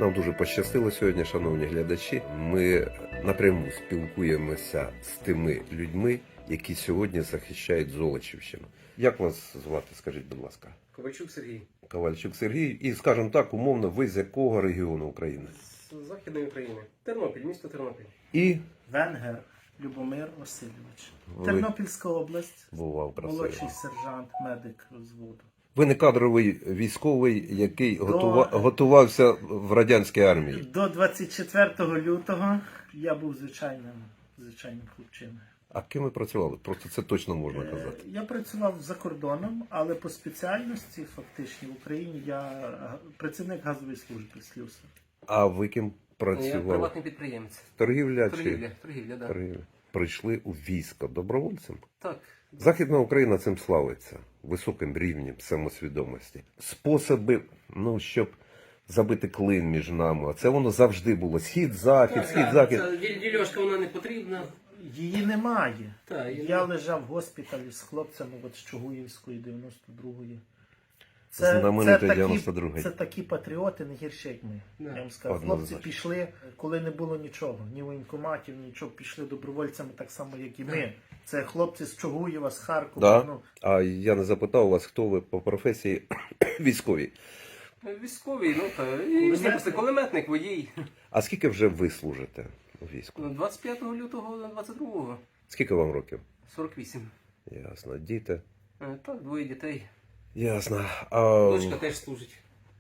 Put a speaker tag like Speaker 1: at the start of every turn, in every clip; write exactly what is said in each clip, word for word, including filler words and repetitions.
Speaker 1: Нам дуже пощастило сьогодні, шановні глядачі. Ми напряму спілкуємося з тими людьми, які сьогодні захищають Золочівщину. Як вас звати, скажіть, будь ласка?
Speaker 2: Ковальчук Сергій.
Speaker 1: Ковальчук Сергій. І, скажімо так, умовно, ви з якого регіону України?
Speaker 2: З Західної України. Тернопіль, місто Тернопіль.
Speaker 1: І
Speaker 3: Венгер Любомир Васильович.
Speaker 1: Ви-
Speaker 3: Тернопільська область.
Speaker 1: бував красиво.
Speaker 3: Молодший сержант, медик розводу.
Speaker 1: Ви не кадровий військовий, який
Speaker 3: До-
Speaker 1: готува... готувався в радянській армії.
Speaker 3: До двадцять четвертого лютого я був звичайним, звичайним хлопчиною.
Speaker 1: А ким ви працювали? Просто це точно можна
Speaker 3: Е,
Speaker 1: казати.
Speaker 3: Я працював за кордоном, але по спеціальності фактично в Україні я га- працівник газової служби слюсар.
Speaker 1: А ви ким
Speaker 2: Я
Speaker 1: працювали?
Speaker 2: приватний підприємець.
Speaker 1: Торгівля чи
Speaker 2: Торгівля, торгівля, да.
Speaker 1: торгівля? Прийшли у військо добровольцем?
Speaker 2: Так.
Speaker 1: Західна Україна цим славиться високим рівнем самосвідомості. Способи, ну, щоб забити клин між нами. Це воно завжди було. Схід, захід, схід, захід.
Speaker 2: Ця діль- дільошка вона не потрібна.
Speaker 3: Її немає.
Speaker 2: Так, її
Speaker 3: Я
Speaker 2: немає.
Speaker 3: лежав в госпіталі з хлопцями от з Чугуївської дев'яносто другої.
Speaker 1: Знаменитої
Speaker 3: такі,
Speaker 1: дев'яносто другої.
Speaker 3: це такі патріоти, не гірші, як ми.
Speaker 2: Да.
Speaker 3: Я вам скажу.
Speaker 1: Однозначно.
Speaker 3: Хлопці пішли, коли не було нічого, ні воєнкоматів, нічого, пішли добровольцями так само, як і ми. Це хлопці з Чугуєва, з Харкова.
Speaker 1: Да?
Speaker 3: Ну,
Speaker 1: А я не запитав вас, хто ви по професії військовій.
Speaker 2: Військовий, ну та і
Speaker 3: Кулеметник.
Speaker 2: всі просто кулеметник, водій.
Speaker 1: А скільки вже ви служите у війську?
Speaker 2: двадцять п'ятого лютого двадцять другого.
Speaker 1: Скільки вам років?
Speaker 2: сорок вісім.
Speaker 1: Ясно. Діти?
Speaker 2: Е, Так, двоє дітей.
Speaker 1: Ясно. А...
Speaker 2: Дочка теж служить.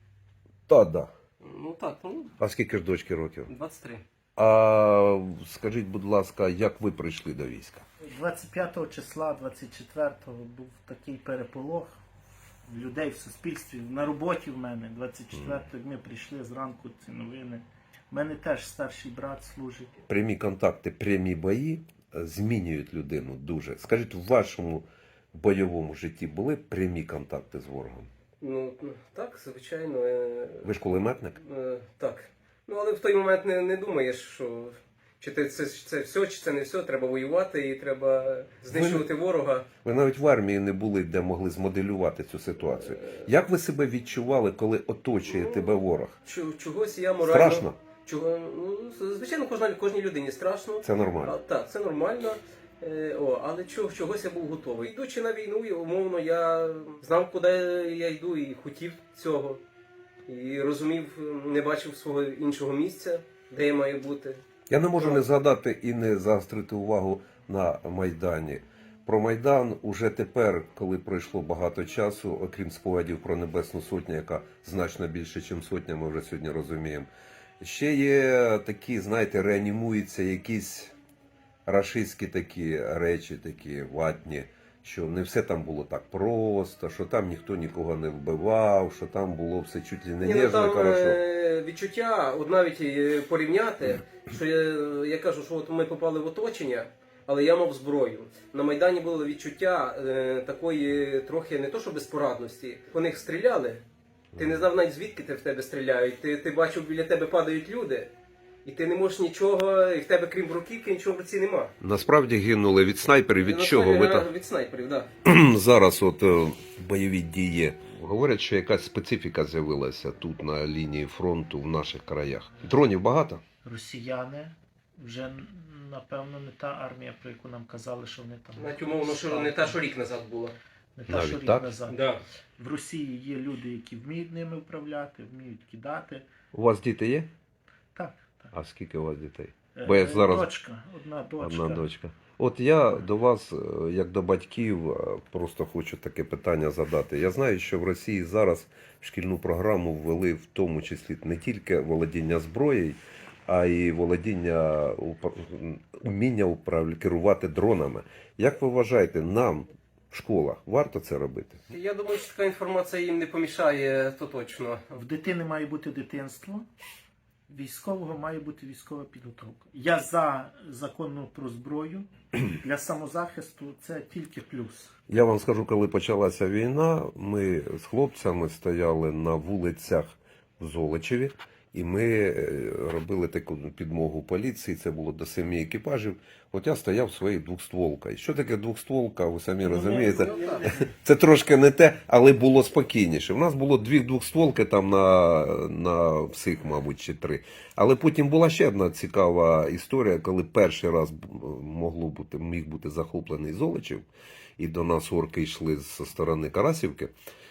Speaker 1: Та, да.
Speaker 2: Ну так, ну,
Speaker 1: А скільки ж дочки років?
Speaker 2: двадцять три.
Speaker 1: А скажіть, будь ласка, як ви прийшли до війська?
Speaker 3: двадцять п'ятого числа, двадцять четвертого був такий переполох в людей в суспільстві, на роботі в мене. двадцять четвертого як ми прийшли зранку, ці новини. У мене теж старший брат служить.
Speaker 1: Прямі контакти, прямі бої е, змінюють людину дуже. Скажіть, в вашому бойовому житті були прямі контакти з ворогом?
Speaker 2: Ну, так, звичайно. е,
Speaker 1: Ви ж кулеметник?
Speaker 2: Е, так. Ну, але в той момент не, не думаєш, що чи ти це, це все, чи це не все, треба воювати і треба знищувати ворога.
Speaker 1: Ви навіть в армії не були, де могли змоделювати цю ситуацію. Як ви себе відчували, коли оточує
Speaker 2: Ну,
Speaker 1: тебе ворог?
Speaker 2: Чу- Чогось я морально...
Speaker 1: Страшно?
Speaker 2: Чого, ну, звичайно, кожна, кожній людині страшно.
Speaker 1: Це нормально.
Speaker 2: А, так, це нормально. Е, о, але чого, чогось я був готовий. Йдучи на війну, і, умовно, я знав, куди я йду, і хотів цього. І розумів, не бачив свого іншого місця, де я маю бути.
Speaker 1: Я не можу не згадати і не заострити увагу на Майдані. Про Майдан уже тепер, коли пройшло багато часу, окрім спогадів про Небесну Сотню, яка значно більше, ніж сотня, ми вже сьогодні розуміємо. Ще є такі, знаєте, реанімуються якісь рашистські такі речі, такі ватні, що не все там було так просто, що там ніхто нікого не вбивав, що там було все чуть ли не
Speaker 2: Ні, ну,
Speaker 1: ніжно,
Speaker 2: там
Speaker 1: хорошо.
Speaker 2: е, відчуття, от навіть е, порівняти, що я, я кажу, що от ми попали в оточення, але я мав зброю. На Майдані було відчуття е, такої трохи не то, що безпорадності. По них стріляли, ти не знав навіть звідки те в тебе стріляють. Ти, ти бачив, біля тебе падають люди, і ти не можеш нічого, і в тебе крім бруківки нічого в руці нема.
Speaker 1: Насправді гинули від снайперів, від
Speaker 2: Ну,
Speaker 1: чого?
Speaker 2: це,
Speaker 1: Ви
Speaker 2: е,
Speaker 1: там...
Speaker 2: Від снайперів, так.
Speaker 1: Зараз от е, бойові дії. Говорять, що якась специфіка з'явилася тут на лінії фронту в наших краях. Дронів багато?
Speaker 3: Росіяни вже, напевно, не та армія, про яку нам казали, що вони там...
Speaker 2: Навіть умовно, що не та, що рік назад була.
Speaker 3: Не та,
Speaker 1: Навіть
Speaker 3: що рік
Speaker 1: так?
Speaker 3: назад.
Speaker 2: Да.
Speaker 3: В Росії є люди, які вміють ними управляти, вміють кидати.
Speaker 1: У вас діти є?
Speaker 3: Так, так.
Speaker 1: А скільки у вас дітей?
Speaker 3: Е,
Speaker 1: Бо я зараз-
Speaker 3: Дочка, одна дочка.
Speaker 1: Одна дочка. От я до вас, е, як до батьків, е, просто хочу таке питання задати. Я знаю, що в Росії зараз в шкільну програму ввели в тому числі не тільки володіння зброєю, а й володіння, уп- уміння управля- керувати дронами. Як ви вважаєте, нам в школах варто це робити?
Speaker 2: Я думаю, що така інформація їм не помішає, то точно.
Speaker 3: В дитини має бути дитинство, військового має бути військова підготовка. Я за законну про зброю, для самозахисту це тільки плюс.
Speaker 1: Я вам скажу, коли почалася війна, ми з хлопцями стояли на вулицях в Золочеві І ми е, робили таку підмогу поліції, це було до семи екіпажів. От я стояв своєю двохстволкою. Що таке двохстволка, ви самі розумієте?
Speaker 2: Ну, так.
Speaker 1: Це трошки не те, але було спокійніше. У нас було дві двохстволки там на, на всіх, мабуть, чи три. Але потім була ще одна цікава історія, коли перший раз могло бути, міг бути захоплений Золочів, і до нас орки йшли зі сторони Карасівки.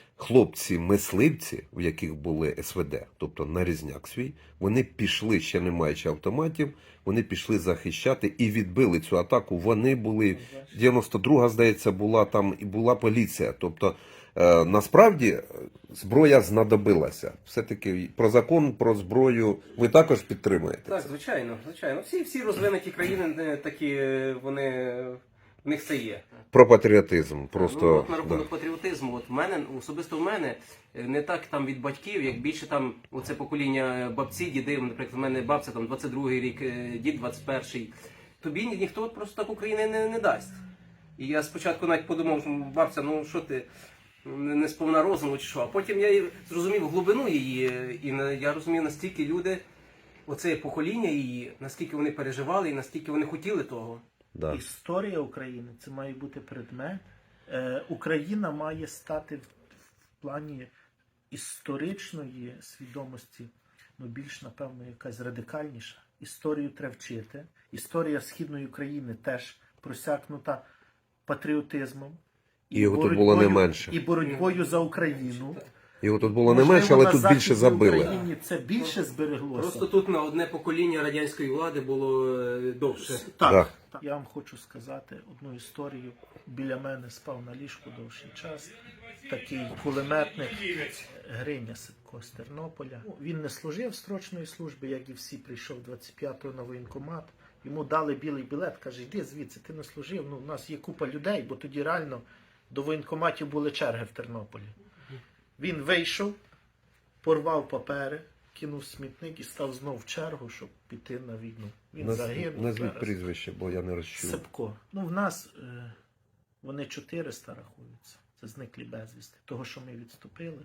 Speaker 1: Хлопці-мисливці, в яких були ес ве де, тобто нарізняк свій, вони пішли, ще не маючи автоматів, вони пішли захищати і відбили цю атаку. Вони були, дев'яносто друга, здається, була там і була поліція. Тобто, е, насправді, зброя знадобилася. Все-таки про закон, про зброю ви також підтримуєте?
Speaker 2: Так,
Speaker 1: це?
Speaker 2: звичайно, звичайно. Всі, всі розвинуті країни е, такі, е, вони, в них це є.
Speaker 1: Про патріотизм. Просто,
Speaker 2: Ну, от на
Speaker 1: да.
Speaker 2: рахунок патріотизму, от в мене, особисто в мене, е, не так там від батьків, як більше там оце покоління бабці, діди, наприклад, в мене бабця там двадцять другий рік, е, дід двадцять перший. Тобі ні- ніхто просто так України не, не дасть. І я спочатку навіть подумав, що бабця, ну що ти, не не сповна розуму чи що. А потім я і зрозумів глибину її, е, і на- я розумів, наскільки люди, оце покоління її, наскільки вони переживали і наскільки вони хотіли того.
Speaker 1: Да.
Speaker 3: Історія України це має бути предмет. Е, Україна має стати в, в плані історичної свідомості, ну більш, напевно, якась радикальніша. Історію треба вчити. Історія Східної України теж просякнута патріотизмом.
Speaker 1: І його тут було не менше.
Speaker 3: І боротьбою за Україну.
Speaker 1: Його тут було не
Speaker 3: Можливо,
Speaker 1: менше, але
Speaker 3: на
Speaker 1: тут більше
Speaker 3: Західній
Speaker 1: забили.
Speaker 3: Україні це більше збереглося.
Speaker 2: Просто тут на одне покоління радянської влади було е, довше.
Speaker 3: Так,
Speaker 1: Да.
Speaker 3: так. Я вам хочу сказати одну історію. Біля мене спав на ліжку довший час. Такий кулеметник Гриня Сипко з Тернополя. Ну, Він не служив строчної служби, як і всі, прийшов двадцять п'ятого на воєнкомат. Йому дали білий білет, каже, йди звідси, ти не служив. Ну, у нас є купа людей, бо тоді реально до воєнкоматів були черги в Тернополі. Він вийшов, порвав папери, кинув смітник і став знов в чергу, щоб піти на війну. Він
Speaker 1: Наз-
Speaker 3: загинув.
Speaker 1: Назвіть
Speaker 3: зараз.
Speaker 1: прізвище, бо я не розчув.
Speaker 3: Сипко. Ну, в нас е, вони чотириста рахуються. Це зниклі безвісти. Того, що ми відступили,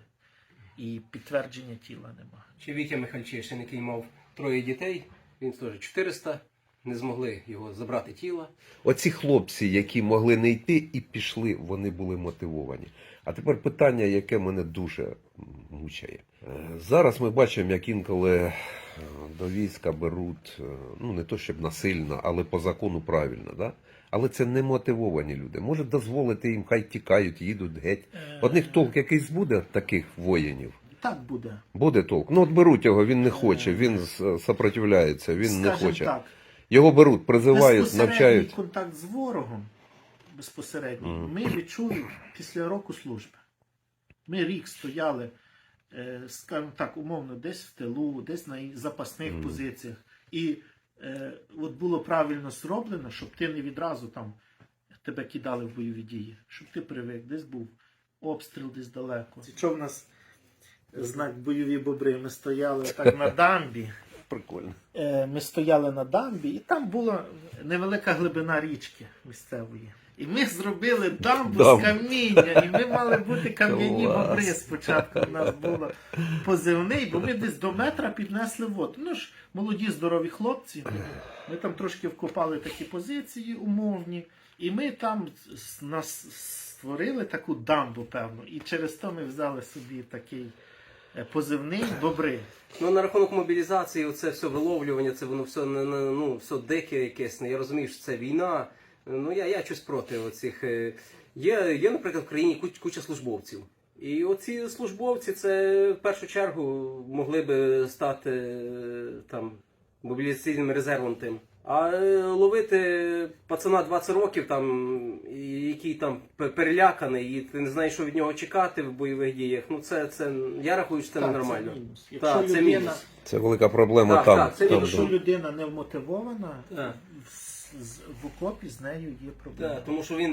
Speaker 3: і підтвердження тіла нема.
Speaker 2: Чи Вітя Михальчишин, який мав троє дітей, він теж чотириста, не змогли його забрати тіло.
Speaker 1: Оці хлопці, які могли не йти і пішли, вони були мотивовані. А тепер питання, яке мене дуже мучає. Е, Зараз ми бачимо, як інколи е, до війська беруть, е, ну не то щоб насильно, але по закону правильно, да? Але це не мотивовані люди. Може дозволити їм, хай тікають, їдуть геть. Одних толк якийсь буде таких воїнів?
Speaker 3: Так буде.
Speaker 1: Буде толк. Ну от беруть його, він не хоче, він с- сопротивляється, він не
Speaker 3: Скажем
Speaker 1: хоче.
Speaker 3: так,
Speaker 1: Його беруть, призивають,
Speaker 3: безпосередній
Speaker 1: навчають.
Speaker 3: контакт з ворогом, безпосередньо,
Speaker 1: Мгм.
Speaker 3: ми відчули після року служби. Ми рік стояли, е, скажімо так, умовно, десь в тилу, десь на запасних
Speaker 1: Мгм.
Speaker 3: позиціях. І е, от було правильно зроблено, щоб ти не відразу там тебе кидали в бойові дії, щоб ти привик, десь був обстріл десь далеко. Що в нас знак бойові бобри? Ми стояли так на дамбі.
Speaker 1: Прикольно.
Speaker 3: Е, Ми стояли на дамбі, і там була невелика глибина річки місцевої. І ми зробили дамбу
Speaker 1: Дамбу.
Speaker 3: з каміння, і ми мали бути кам'яні
Speaker 1: Клас.
Speaker 3: бобри. Спочатку у нас було позивний, бо ми десь до метра піднесли воду. Ну ж, молоді, здорові хлопці. Ми там трошки вкопали такі позиції умовні, і ми там с- нас створили таку дамбу, певно. І через то ми взяли собі такий е, позивний бобри.
Speaker 2: Ну, на рахунок мобілізації, це все виловлювання, це воно все, не- не- ну, все дике якесь. Я розумію, що це війна. Ну, я, я щось проти оцих. е, Є, є, наприклад, в країні куч- куча службовців. І оці службовці, це в першу чергу могли би стати е, там мобілізаційним резервом тим. А е, ловити пацана двадцять років, там, і який там пе- переляканий, і ти не знаєш, що від нього чекати в бойових діях. Ну це, це я рахую, що це
Speaker 3: Так,
Speaker 2: ненормально.
Speaker 3: це мінус. Якщо
Speaker 2: Так, це
Speaker 3: людина,
Speaker 2: мінус.
Speaker 1: Це велика проблема
Speaker 2: Так,
Speaker 1: там.
Speaker 2: так, це
Speaker 1: там,
Speaker 3: якщо
Speaker 1: там.
Speaker 3: людина не вмотивована,
Speaker 2: Так.
Speaker 3: в, з- в окопі з нею є проблема.
Speaker 2: Так, тому що він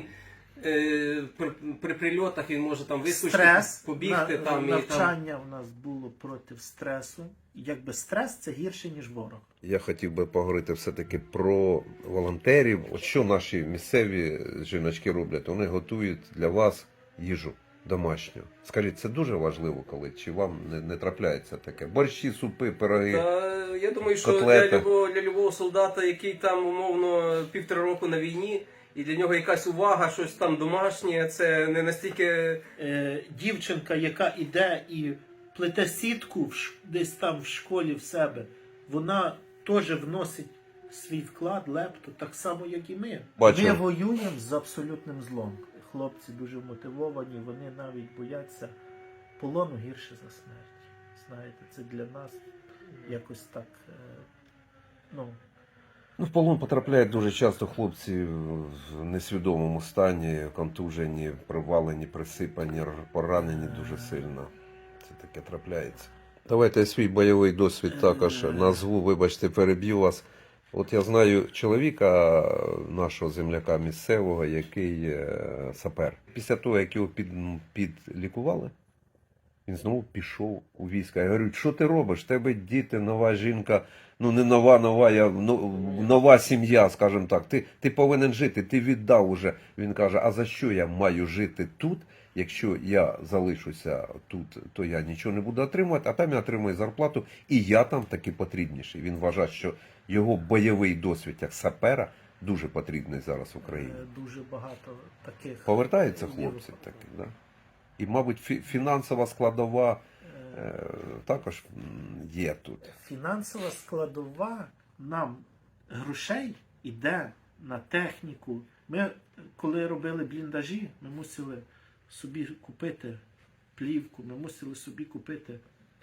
Speaker 2: е, при, при прильотах він може там вискочити,
Speaker 3: Стрес,
Speaker 2: побігти
Speaker 3: на-
Speaker 2: там і там.
Speaker 3: навчання у нас було проти стресу. Якби стрес це гірше, ніж ворог.
Speaker 1: Я хотів би поговорити все-таки про волонтерів. От що наші місцеві жіночки роблять? Вони готують для вас їжу. домашнього. Скажіть, це дуже важливо, коли чи вам не, не трапляється таке? Борщі, супи, пироги.
Speaker 2: Та, я думаю, що
Speaker 1: котлети.
Speaker 2: для любого, для любого солдата, який там умовно півтора року на війні, і для нього якась увага, щось там домашнє, це не настільки.
Speaker 3: Е, дівчинка, яка іде і плете сітку в ш- десь там в школі в себе, вона теж вносить свій вклад, лепту, так само, як і ми.
Speaker 1: Бачу.
Speaker 3: Ми воюємо з абсолютним злом. Хлопці дуже мотивовані, вони навіть бояться полону гірше за смерть. Знаєте, це для нас якось так, е, ну,
Speaker 1: Ну, в полон потрапляють дуже часто хлопці в несвідомому стані, контужені, привалені, присипані, поранені дуже сильно. Це таке трапляється. Давайте я свій бойовий досвід також назву, вибачте, переб'ю вас. От я знаю чоловіка, нашого земляка місцевого, який е, сапер. Після того, як його під, підлікували, він знову пішов у війська. Я говорю, що ти робиш? В тебе діти, нова жінка, ну не нова, нова, я, ну, нова сім'я, скажімо так. Ти, ти повинен жити, ти віддав уже. Він каже, а за що я маю жити тут? Якщо я залишуся тут, то я нічого не буду отримувати, а там я отримую зарплату, і я там таки потрібніший. Він вважає, що його бойовий досвід як сапера дуже потрібний зараз в Україні.
Speaker 3: е, дуже багато таких.
Speaker 1: Повертаються
Speaker 3: є
Speaker 1: хлопці
Speaker 3: випадків.
Speaker 1: таки, да? І, мабуть, фі- фінансова складова
Speaker 3: Е,
Speaker 1: е, також м, є тут.
Speaker 3: Фінансова складова нам грошей іде на техніку. Ми, коли робили бліндажі, ми мусили собі купити плівку, ми мусили собі купити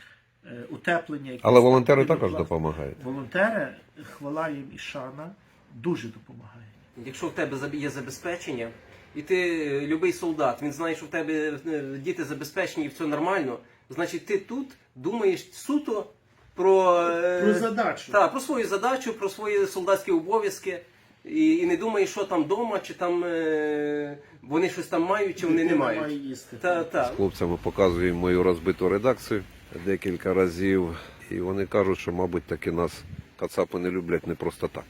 Speaker 3: е, утеплення. якесь.
Speaker 1: Але волонтери
Speaker 3: Потрібно
Speaker 1: також
Speaker 3: власне.
Speaker 1: допомагають.
Speaker 3: Волонтери, хвала їм і шана, дуже допомагають.
Speaker 2: Якщо в тебе заб- є забезпечення, і ти е, любий солдат, він знає, що в тебе е, діти забезпечені і все нормально, значить ти тут думаєш суто про, е,
Speaker 3: Про задачу.
Speaker 2: та, про свою задачу, про свої солдатські обов'язки. І, і не думаєш, що там вдома, чи там е, вони щось там мають, чи вони не
Speaker 3: Дитина
Speaker 2: мають.
Speaker 3: має їсти.
Speaker 2: Та, та.
Speaker 1: З хлопцями показуємо мою розбиту редакцію декілька разів. І вони кажуть, що, мабуть, таки нас кацапи не люблять не просто так.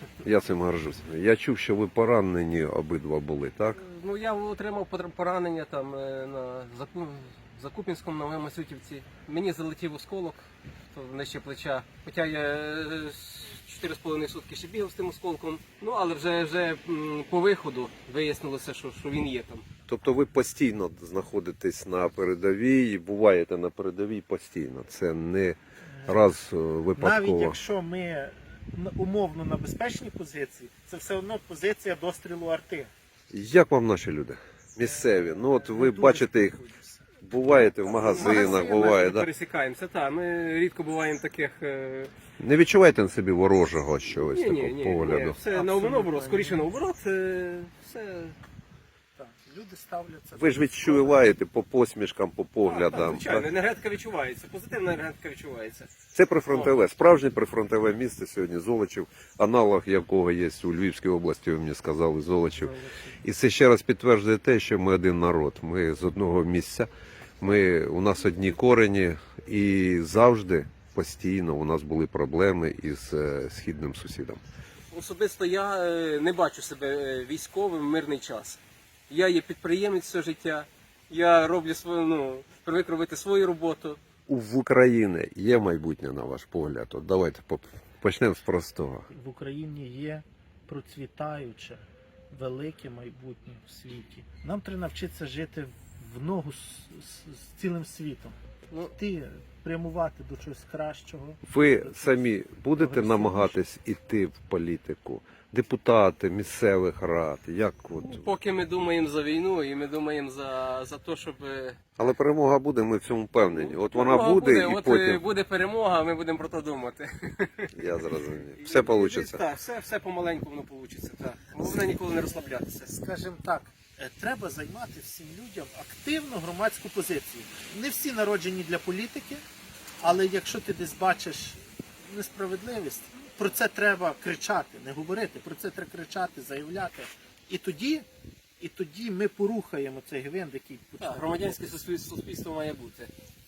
Speaker 1: Я цим горжусь. Я чув, що ви поранені обидва були, так?
Speaker 2: Ну я отримав потр- поранення там е, на Заку... Закупінському на Масютівці. Мені залетів осколок то нижче плеча. Хоча я е, чотири з половиною сутки ще бігав з тим осколком. Ну але вже, вже м, по виходу вияснилося, що, що він є там.
Speaker 1: Тобто ви постійно знаходитесь на передовій, буваєте на передовій постійно. Це не раз е,
Speaker 3: Навіть
Speaker 1: випадково.
Speaker 3: якщо ми на- умовно на безпечній позиції, це все одно позиція дострілу арти.
Speaker 1: Як вам наші люди? Місцеві. Ну от ви
Speaker 3: Дуже
Speaker 1: бачите їх,
Speaker 3: спілкуються.
Speaker 1: буваєте в магазинах, буває,
Speaker 2: ми
Speaker 1: да?
Speaker 2: пересікаємося. Та, ми рідко буваємо таких. Е...
Speaker 1: Не відчуваєте на собі ворожого чогось
Speaker 2: Ні, ні,
Speaker 1: такого
Speaker 2: ні,
Speaker 1: погляду?
Speaker 2: ні, все
Speaker 3: Абсолютно
Speaker 2: наоборот,
Speaker 3: ні.
Speaker 2: скоріше наоборот, е, все.
Speaker 3: Так, люди ставляться.
Speaker 1: Ви ж відчуваєте по посмішкам, по
Speaker 2: Так,
Speaker 1: поглядам.
Speaker 2: звичайно,
Speaker 1: так?
Speaker 2: енергетика відчувається, позитивна енергетика відчувається.
Speaker 1: Це прифронтове, справжнє прифронтове місце сьогодні Золочів, аналог якого є у Львівській області, ви мені сказали, Золочів. І це ще раз підтверджує те, що ми один народ. Ми з одного місця, ми, у нас одні корені, і завжди, постійно у нас були проблеми із е, східним сусідом.
Speaker 2: Особисто я е, не бачу себе е, військовим в мирний час. Я є підприємець все життя, я роблю свою, ну, привик робити свою роботу.
Speaker 1: У- В Україні є майбутнє, на ваш погляд? От давайте поп- почнемо з простого.
Speaker 3: В Україні є процвітаюче, велике майбутнє в світі. Нам треба навчитися жити в ногу з, з, з цілим світом.
Speaker 2: Ну,
Speaker 3: Ти прямувати до чогось кращого.
Speaker 1: Ви самі будете
Speaker 3: Прогресивніше.
Speaker 1: намагатись іти в політику? Депутати місцевих рад, як от?
Speaker 2: поки ми думаємо за війну і ми думаємо за, за те, щоб... е,
Speaker 1: Але перемога буде, ми в цьому впевнені. От вона
Speaker 2: перемога
Speaker 1: буде, і
Speaker 2: от, е,
Speaker 1: потім,
Speaker 2: буде перемога, ми будемо про це думати.
Speaker 1: я зрозумів, все вийде.
Speaker 2: Так, все, все помаленьку воно вийде. Так. Головне ніколи не розслаблятися.
Speaker 3: Скажімо так, е, треба займати всім людям активну громадську позицію. Не всі народжені для політики, але якщо ти десь бачиш несправедливість, про це треба кричати, не говорити, про це треба кричати, заявляти. І тоді, і тоді ми порухаємо цей гвинт, який
Speaker 2: Так,
Speaker 3: почне.
Speaker 2: громадянське суспільство, суспільство має бути.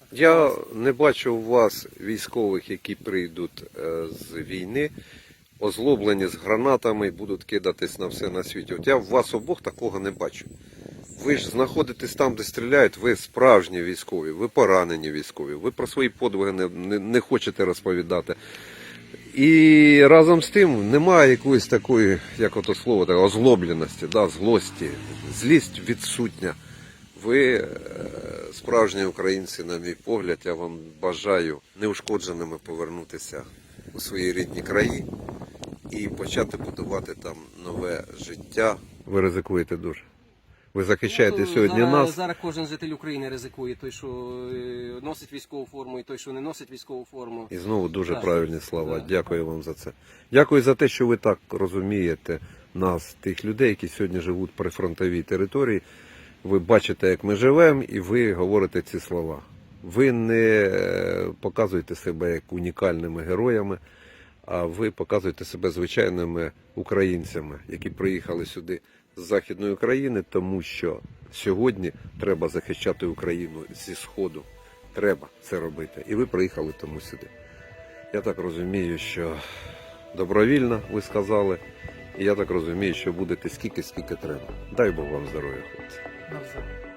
Speaker 1: Я не бачу у вас військових, які прийдуть е, з війни, озлоблені з гранатами і будуть кидатись на все на світі. От я в вас обох такого не бачу. Ви ж знаходитесь там, де стріляють, ви справжні військові, ви поранені військові, ви про свої подвиги не, не, не хочете розповідати. І разом з тим немає якоїсь такої, як ото слово, так, озлобленості, да, злості, злість відсутня. Ви е, справжні українці, на мій погляд, я вам бажаю неушкодженими повернутися у свої рідні краї і почати будувати там нове життя. Ви ризикуєте дуже. Ви захищаєте
Speaker 2: Ну,
Speaker 1: сьогодні
Speaker 2: зараз,
Speaker 1: нас.
Speaker 2: Зараз кожен житель України ризикує, той, що е, носить військову форму, і той, що не носить військову форму.
Speaker 1: І знову дуже
Speaker 2: Так.
Speaker 1: правильні слова.
Speaker 2: Так.
Speaker 1: Дякую вам за це. Дякую за те, що ви так розумієте нас, тих людей, які сьогодні живуть при фронтовій території. Ви бачите, як ми живемо, і ви говорите ці слова. Ви не показуєте себе як унікальними героями, а ви показуєте себе звичайними українцями, які приїхали сюди з Західної України, тому що сьогодні треба захищати Україну зі Сходу. Треба це робити. І ви приїхали тому сюди. Я так розумію, що добровільно, ви сказали, і я так розумію, що будете скільки-скільки треба. Дай Бог вам здоров'я, хлопці.
Speaker 3: Навзаєм.